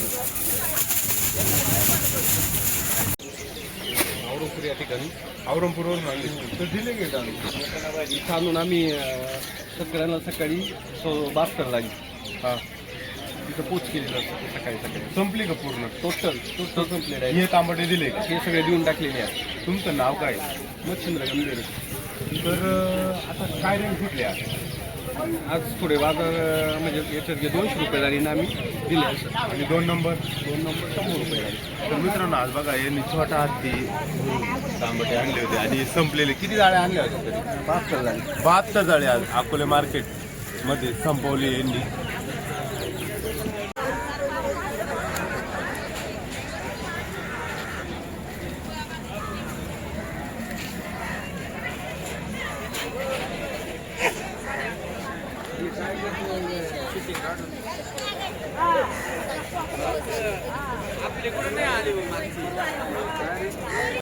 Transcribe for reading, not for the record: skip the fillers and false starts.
औरंगपूर या ठिकाणी औरंगपूरवरून आणले तर दिले गेले आम्ही इथं आणून आम्ही शेतकऱ्यांना सकाळी 72 लागली. हां तिथं पोच केली जाते सकाळी संपली का पूर्ण टोटल कंप्लीट आहे. हे तांबटे दिले का हे सगळे देऊन टाकलेले आहे. तुमचं नाव काय? मच्छिंद्र गंभीर. तर आता काय रेंज कुठले आज थोडे बाजार म्हणजे याच्यात 200 रुपये झाली ना आम्ही दिले आणि 2 नंबर 100 रुपये झाले. तर मित्रांनो आज बघा यांनी छोटा हत्ती तांबटे आणले होते आणि संपलेले किती जाळ्या आणल्या होत्या तरी 72 झाले. 72 जाळे आज अकोले मार्केटमध्ये संपवले यांनी.